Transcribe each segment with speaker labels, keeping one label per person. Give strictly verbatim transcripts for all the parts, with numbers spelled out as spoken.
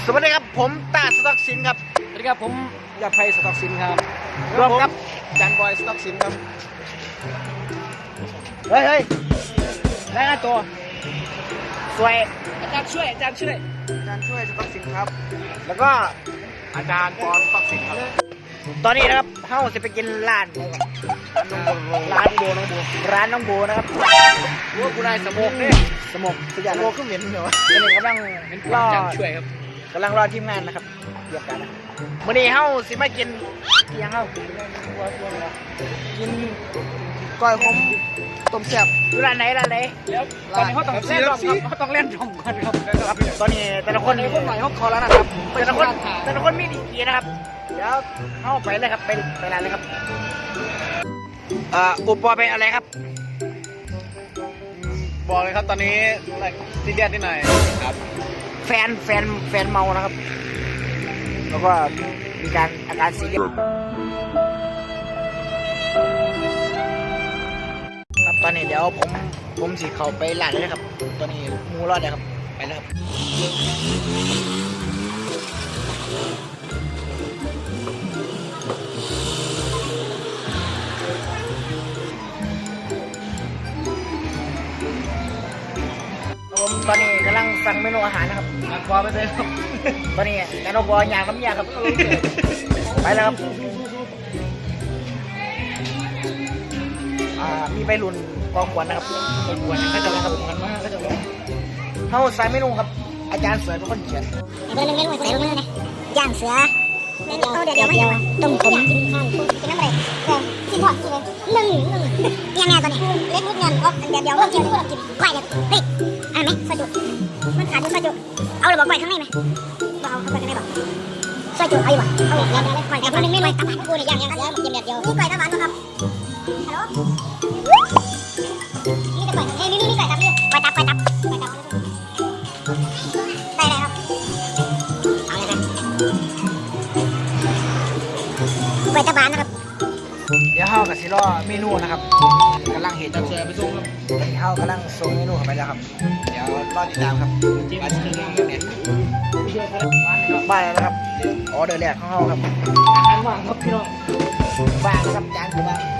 Speaker 1: สวัสดีครับผมตาสต็อกสินครับ
Speaker 2: สวัสดีครับผมยาไพสต็อกสินครับ
Speaker 1: รวมครับ
Speaker 2: จันบอยสต็อกสินครับ
Speaker 1: เฮ้ยเฮ้ยได้หน้าตัวสวย
Speaker 2: อาจารย์ช่วยอาจารย์ช่วย
Speaker 1: อาจารย์ช่วยสต็อกสินครับแล้วก็
Speaker 2: อาจารย์ปอนสต็อกสินครับ
Speaker 1: ตอนนี้นะครับเฮาจะไปกินร้านร้านโบน้องโบร้านน้องโบนะครับ
Speaker 2: ว่ากูได้สมองเนี่ย
Speaker 1: สมองสุดยอด
Speaker 2: สมองก็เหม็นเหรอวะ
Speaker 1: ตอนนี้กำลังรอ
Speaker 2: ช่วยครับ
Speaker 1: กำลังรอทีมงานนะครับเรียกกันนะวันนี้เฮาสิมากินเกียงเฮากินก้อยขมต้มแซ่บร้านไหนร้านไหน
Speaker 2: แล้วตอนนี้เขาต้องเล่นรอบครับเขาต้องเล่นรอบก่อนครับ
Speaker 1: ตอนนี้แต่ละคน
Speaker 2: พวกหน่อยเขาคอแล้วนะครับ
Speaker 1: แต่ละคนแต่ละคนมีดีกีนะครับเดี๋ยวเข้าไปเลยครับไปไปร้านเลยครับอุปกรณ์เป็นอะไรครับ
Speaker 2: บอกเลยครับตอนนี้ซีเรียสนิดหน่อยครับ
Speaker 1: แฟนแฟนแฟนเมานะครับแล้วก็มีการอาการซีเรียสครับตอนนี้เดี๋ยวผมผมสิเข้าไปร้านเลยนะครับตอนนี้มูรอดเลยครับไปแล้วครับผมตอนนี้กำลังสั่งเมนูอาหารนะครับ
Speaker 2: นักบอลไปเลยครับ
Speaker 1: ตอนนี้การเอาบอลยางน้ำยาครับไปแล้วครับมีใบรุ่นกองขวัญนะครับกองขวัญก็จะนะครับมันมากก็จะเขาใส่เมนูครับอาจารย์สวยเป็นคนเขียน
Speaker 3: เดี๋ยวเมนูใส่ลงมือนะย่างเสือเดี๋ยวเดี๋ยวเดี๋ยวเดี๋ยวต้มขมกินข้าวกินน้ำอะไรเออกินพอกินเลยหนึ่งหนึ่งยังไงตอนนี้เล็กนิดเงินอ๋อเดี๋ยวเดี๋ยวเรากินเรากินไหวเดี๋ยวเฮ้ยอะไรไหมซอยจุมันขาดอยู่ซอยจุเอาเลยบอกไหวข้างในไหมบอกเอาข้างในบอกซอยจุเอาอยู่บ่เอาเดี๋ยวเดี๋ยวไหวแต่คนนึงไม่ไหวตาหวานกูเนี่ยย่างย่างเสือกินเดียวเดียวนี่ไหวตาหวานมั้งครับฮัลโหลนี่จะไหวเฮ้ยนี่นี่ไหวตาพี่ไหวตาไหวตาไหวตาได้เลยครับเอาเลยนะไหวตาหวานนะครับ
Speaker 1: เดี๋ยวเฮากับซิรอเมนูนะครับกำลังเห็นจังเลยไปส่งครับเฮากำลังส่งเมนูเข้าไปแล้วครับเดี๋ยวรอติดตามครับมาถึงเรื่องเนี่ยบ้านแล้วนะครับออเดอร์แรกของเฮาครับ
Speaker 2: อาหารว่างครับพี่น้อง
Speaker 1: บ้านครับจานคือบ้าน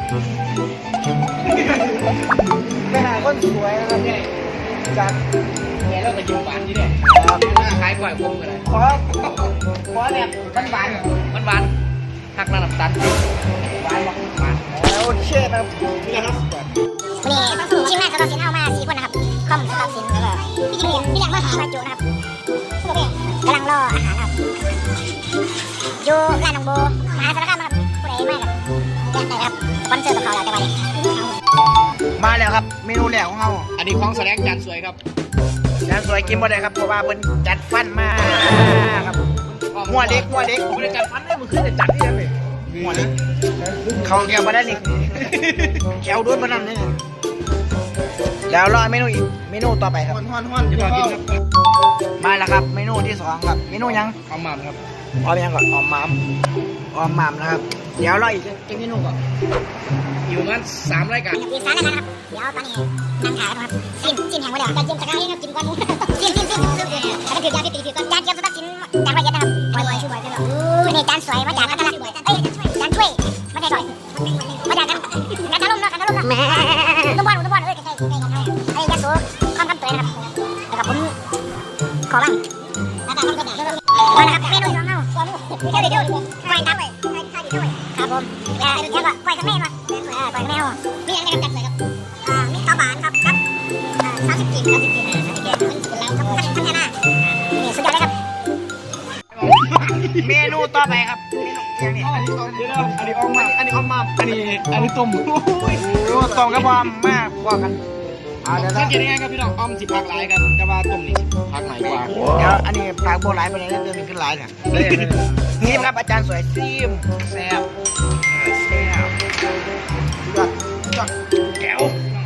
Speaker 1: ไปหาคนสวยนะครับเนี่ยจาก
Speaker 2: แกแล้วก็ยิ้มหวานที่เนี่ยขายกล้วยพวงอะไร
Speaker 1: ขอขอแบบหวาน
Speaker 2: หวานหวานหักน้ำตาล
Speaker 1: หวานบอกหวานโอเคนะครับนี่ครับ
Speaker 3: วันนี้ทีมงานสตอสินเอามาสี่คนนะครับคอมสตอสินแล้วก็พี่จิ๋มพี่อยากมาหาปลาจูนะครับกำลังรออาหารครับอยู่ร้านน้องโบมหาสารคามครับผู้ใดมาครับแจ้งได้ครับสปอนเซอร์กับเขาแล้วแต่ว่าเนี่ย
Speaker 1: มาแล้วครับเมนูแรกของเรา
Speaker 2: อันนี้ของแสดงจานสวยครับ
Speaker 1: จานสวยกินบ่ได้ครับเพราะว่าเพิ่นจัดฟันมาครับหัวเล็กหัวเล็ก
Speaker 2: ผมเลยจัดฟันได้มันขึ้นแต่จัดที่ยังเลย
Speaker 1: หัวเล็กเขาแก้วมาได้นี่แก้วด้วยมานั่นนี่แล้วรอเมนูอีกเมนูต่อไปครับ
Speaker 2: ฮ้อนฮ้อนจะกินครับ
Speaker 1: มาแล้วครับเมนูที่สองครับเมนูยัง
Speaker 2: ออมหม่ำครับ
Speaker 1: ออมยังก่อนออมหม่ำออมหม่ำนะครับเดี๋ยวรออีกอีกเมนูก่อน
Speaker 2: อยู่มันสามรายการ
Speaker 3: มีสารนะครับเดี๋ยวตอนนี้นั่งขายครับซิมซิมแห่งวันเดียวการจิ้มสกายครับจิ้มก้อนมูซิมซิมซิมซิมแล้วก็ถือยาที่ตีถือก้อนจานเกี่ยวกับสินจานละเอียดนะครับบ่อยๆช่วยบ่อยๆกันหรออู้นี่จานสวยมาจากกันละเอ้ยจานช่วยมาจากช่วยมาจากกันกันทะลุเนาะกันทะลุเนาะแหมตุ้มบอลตุ้มบอลเอ้ยใกล้ๆใกล้ๆกันไอ้ยาสูคอมคำเตยนะครับแล้วก็ผมขอบ้างแล้วก็คำเตยนะครับมานะครับเมนูของเราเดี๋ยวเดี๋ยวไก่ตับครับผมแล้วก็ไก่ข้างในมาไก่ข้างในเอามีอะไรนะครับจัดเลยครับอ่ามีข้าวหวานครับครับอ่าสามสิบกิโลสามสิบกิโลสามสิบกิโลแล้วครับพัฒนานี่สุดยอดเลยครับ
Speaker 1: เมนูต่อไปครับเมนูอย่างนี้
Speaker 2: อันนี้ออมมาอันนี้ออมมาอันนี้อันนี้ต้ม
Speaker 1: โอ้ต้มกระบอมมากกว่ากัน
Speaker 2: เอาเดี๋ยวสังเกตยังไงครับพี่น้องออมสิผักหลายครับแต่ว่าต้มนี่ผักหลายกว่า
Speaker 1: เดี๋ยวอันนี้ผักโบราณไปเลยเดี๋ยวมีขึ้นหลายเนี่ยนี่ครับอาจารย์สวยซิม
Speaker 2: แซ่บ
Speaker 1: แซ่บยอดยอดแก้ว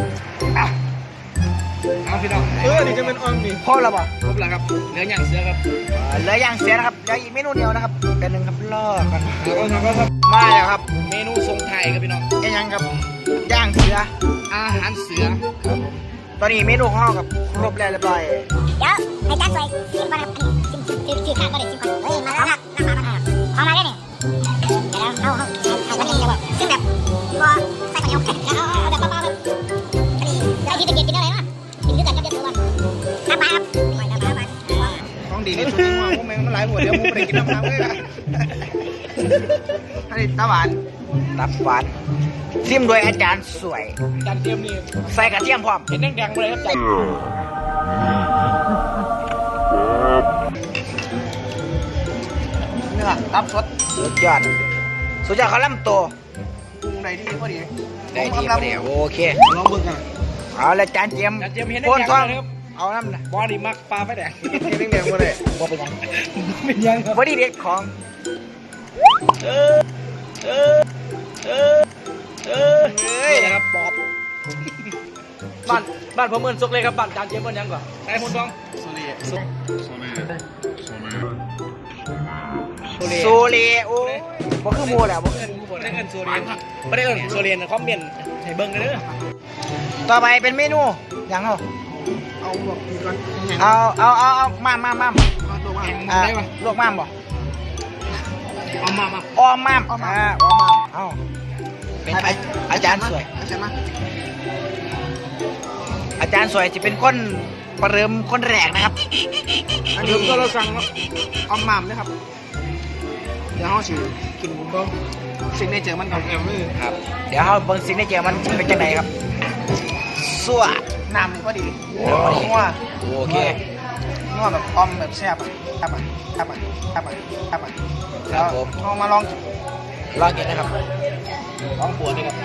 Speaker 2: เอาพี่น้องเออนี่จะเป็นออมนี่
Speaker 1: พอแล้วป่ะ
Speaker 2: ครบแล้วครับเหลือย่างเสือครับ
Speaker 1: เหลือย่างเสือนะครับเหลืออีกเมนูเดียวนะครับเดี๋ยวหนึ่งครับรอกัน
Speaker 2: แล้วก็ครับ
Speaker 1: มาแล้วครับ
Speaker 2: เมนูทรงไทยครับพี่น้อง
Speaker 1: ไอ้ยังครับย่างเสือ
Speaker 2: อาหารเสือ
Speaker 1: ครับตอนนี้เมนูของเรากับครบแล้วเรียบร้อย
Speaker 3: เดี๋ยวให้จานสวยซิมก่อนครับซิมซิมซิม
Speaker 1: ดีนี่ชุดนี้มาพวกแม่งมันหลายหัวเดียวมึงไปกินน้ำน้ำเลยล่ะอันนี้ตาหวานตับหวานซิมโดยอาจารย์สวย
Speaker 2: จานเจียมนี่
Speaker 1: ใส่กระเทียมพร้อม
Speaker 2: เห็นแดงๆมาเลยครับจาน
Speaker 1: เนื้อตับสดสุดยอดสุดยอดเขาล่ำตัวปรุงได้ที่พอดีได้ที่พอดีโอเคลองเบิ่งกันเอาละจานเจียม
Speaker 2: จานเจียมเห็นแด
Speaker 1: โคน
Speaker 2: งๆ
Speaker 1: ท้อง
Speaker 2: มาเลยครับ
Speaker 1: เอาน้ำนะ
Speaker 2: บอดี้มักปลาไฟแดง
Speaker 1: เห็นแดงๆมาเลยบ่เป็นยัง
Speaker 2: เป็นยังครับ
Speaker 1: บอดี้เด็ดของ
Speaker 2: เออเออเออเออ
Speaker 1: เฮ้ย
Speaker 2: นี่นะครับปอบบ้านบ้านผมเอิ้นซกเลยครับบ้านจานเจียมเอิ้นยังก่อนไอ้คนท้องโซเลียโซเลีย
Speaker 1: โซเลโอ้บ่คือหมูแหละบ่คือ
Speaker 2: ไม่ได้เอินโซเลียนไม่ได้เอินโซเลียนคอมเมนต์ให้เบิ่งกันเด้อ
Speaker 1: ต่อไปเป็นเมนูอย่างเอา
Speaker 2: เอาแบบนี้ก่อน
Speaker 1: เอาเอาเอาเอามามามาม
Speaker 2: เอาตัวมา
Speaker 1: อ่า
Speaker 2: ได้ปะ
Speaker 1: ลวกมามบ่
Speaker 2: เอามามา
Speaker 1: ออมมามอ่าออมมามเอาเป็นอาอาจารย์สวย
Speaker 2: อาจารย์มา
Speaker 1: อาจารย์สวยจะเป็นคนประเริ่มคนแรกนะครับ
Speaker 2: อันนี้ก็เราสั่งเอาหม่ำนะครับเดี๋ยวเขาสิกินก็สิ่งในเจอมันกับแอมเลย
Speaker 1: ครับ เดี๋ยวเราเบิ่งสิ่งที่เจอมันเป็นจังไดครับสัว
Speaker 2: น้ำนี่ก็ดี
Speaker 1: พอดี
Speaker 2: นัว
Speaker 1: โอเค
Speaker 2: นัวแบบอมแบบแซ่บอ่ะแซ่บอ่ะแซ่บอ่ะแซ่บอ่ะแซ่บอ่ะ
Speaker 1: ครับผม
Speaker 2: เอามาลอง
Speaker 1: ลองกินนะครับ
Speaker 2: ลองปวดเลยครับ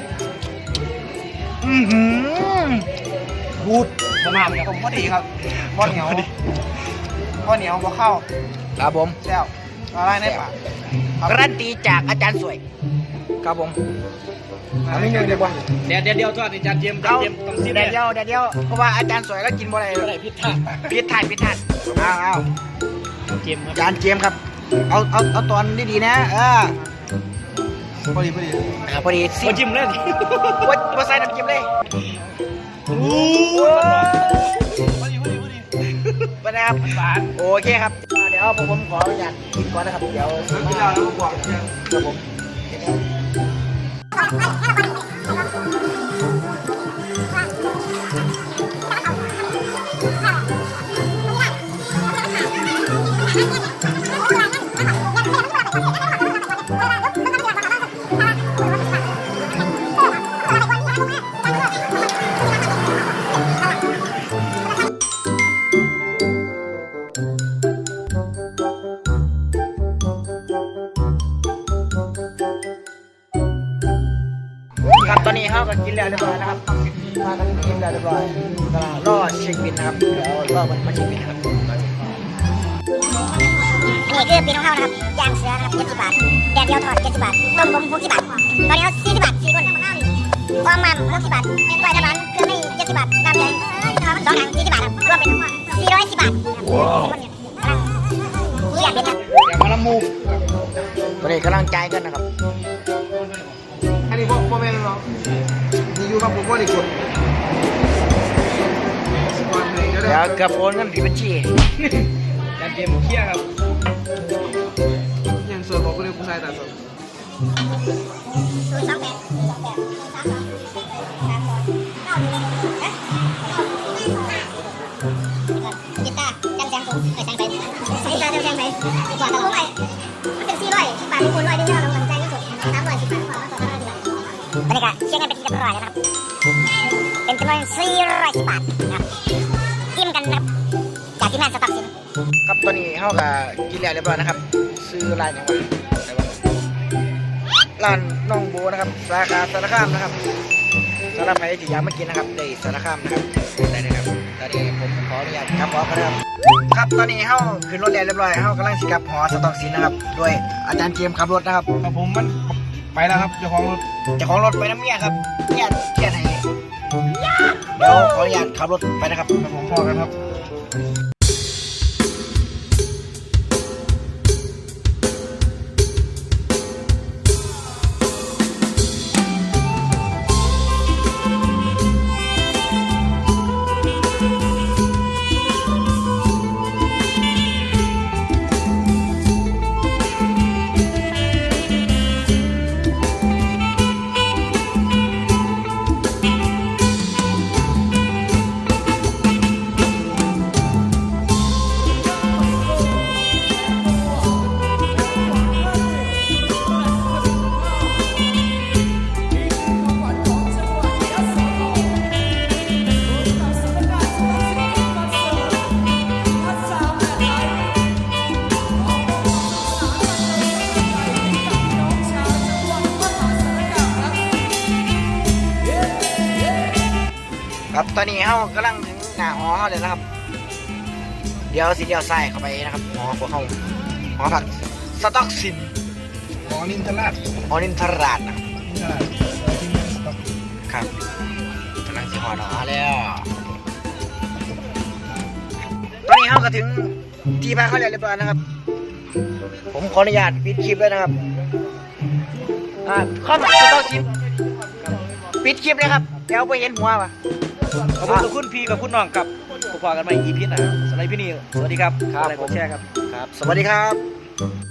Speaker 1: อือหือบูด
Speaker 2: ประมาณนี้ผมพอดีครับบ่เหนียวบ่เหนียวบ่เข้า
Speaker 1: ครับผม
Speaker 2: แซ่บอะไรในปาก
Speaker 1: การันตีจากอาจารย์สวยครับผมเอาไม่เงินเลยบ่
Speaker 2: เดี๋ยวเดี๋ยวเดี๋ยวทอดอาจารย์เจมส์อาจาร
Speaker 1: เอา
Speaker 2: ย์เจมส์ต้องซิม
Speaker 1: เดี๋ยวเดียวเดี๋ยวเดียวเพราะว่าอาจารย์สวยแล้วกินบ่ได้
Speaker 2: อะไรพิษท่า
Speaker 1: พิษทานพิษทานเอาเอา
Speaker 2: เจมส์ครับ
Speaker 1: อาจารย์เจมส์ครับ เอาเอาเอาตอนดีๆนะเออ
Speaker 2: พอดีพอดี
Speaker 1: อ่าพอดีสิ
Speaker 2: โอ้จิ้มเล่น
Speaker 1: ว่าว่าใส่น้ำจิ้มเลย
Speaker 2: โอ้
Speaker 1: โอ้
Speaker 2: พอดีพอดีพอดี
Speaker 1: ไปนะครับ
Speaker 2: หวาน
Speaker 1: โอเคครับเดี๋ยวผมผมขออนุญาตกินก่อนนะครับเดี๋ยว
Speaker 2: แล้วกินแล้วแล้วก็บอก
Speaker 1: ครับผมครับตอนนี้เขาก็กินแล้วเรียบร้อยนะครับมากันกินแล้วเรียบร้อยก็รอเช็คบินนะครับเดี๋ยวรอมันมาเช็คบินนะครับ
Speaker 3: อันนี้คือปีนของเขานะครับย่างเสือนะครับเจ็ดสิบบาทแดดเดียวทอดเจ็ดสิบบาทต้มผมหกสิบบาทตอนนี้สี่สิบบาทสี่คนความมันหกสิบบาทเป็นกล้วยตะบันเครื่องไม่เจ็ดสิบบาทน้ำใหญ่สองถังสี่สิบบาทรวมเป็นสี่ร้อยสิบบาทนี่อยากเป็นนะ
Speaker 2: อย่ามาละมู
Speaker 1: ตอนนี้กำลังจ่ายกันนะครับ
Speaker 2: อันนี้พวกพวกแม่เนาะนี่อยู่กับผมก็ดีกว่า
Speaker 1: เดี๋ยวเกือบโอนเงินผิดบัญชี
Speaker 2: การเกมเครียดครับยังส่วนบอกก็เลยคุณนายแต่ส่วน
Speaker 3: ศูนย์สองแปดสองแปดสามสองสามสองเก้าหนึ่งเอ๊ะกีตาร์จำแสงผมไปแสงไปกีตาร์จำแสงไปดีกว่าตลอดไปมันเป็นสี่ร้อยสิบบาทคูณร้อยเดียวเราเงินใจก็สุดสามร้อยสิบบาทพอมาต่อกันร้อยสิบบาทตอนนี้ก็เชื่อเงินเป็นที่เรียบร้อยแล้วนะครับเป็นจำนวนสี่ร้อยสิบบาทนะครับจิ้มกันนะครับจากที่แม่สต็อกสิน
Speaker 1: ครับตอนนี้เขาก็กินแล้วเรียบร้อยนะครับ ซื้อร้านอย่างไรร้านน้องโบนะครับสาขาสารคามนะครับสำหรับใครที่อยากมากินนะครับได้สารคามนะครับได้เลยครับตอนนี้ผมขออนุญาตกลับหอกันนะครับครับตอนนี้เขาขึ้นรถแล้วเรียบร้อยเขากำลังสิกลับหอสต็อกสินนะครับด้วยอาจารย์เจมส์ขับรถนะครับ
Speaker 2: ครับผมมันไปแล้วครับเจ้าของรถ
Speaker 1: เจ้าของรถไปน้ำเมียครับเนี่ยเทียนให้เดี๋ยวขออนุญาตขับรถไปนะครับ
Speaker 2: ครับผมพอกันครับ
Speaker 1: ครับตอนนี้เขากำลังถึงหน้าหอเขาเลยนะครับ เดี๋ยวสิเดียวใส่เข้าไปนะครับหอพวกเขาหอผักสต็อกสิน
Speaker 2: หอนินทราช
Speaker 1: หอนินทราชนะ
Speaker 2: นินทราชที่นี่สต็อก
Speaker 1: ครับกำลังสิหอหนอแล้วตอนนี้เขาก็ถึงที่พักเขาเรียบร้อยนะครับ ผมขออนุญาตปิดคลิปเลยนะครับอ่าข้อมูลสต็อกสินปิดคลิปเลยครับเดี๋ยวไปเห็นหัวป่ะ
Speaker 4: ขอบคุณทุกคุณพี่กับคุณน้องครับพบกันใหม่ อี พี หน้าสำหรับพี่นี่สวัสดีครับ
Speaker 1: ครับ
Speaker 4: อะไรกดแชร์ครับ
Speaker 1: ครับ สวัสดีครับ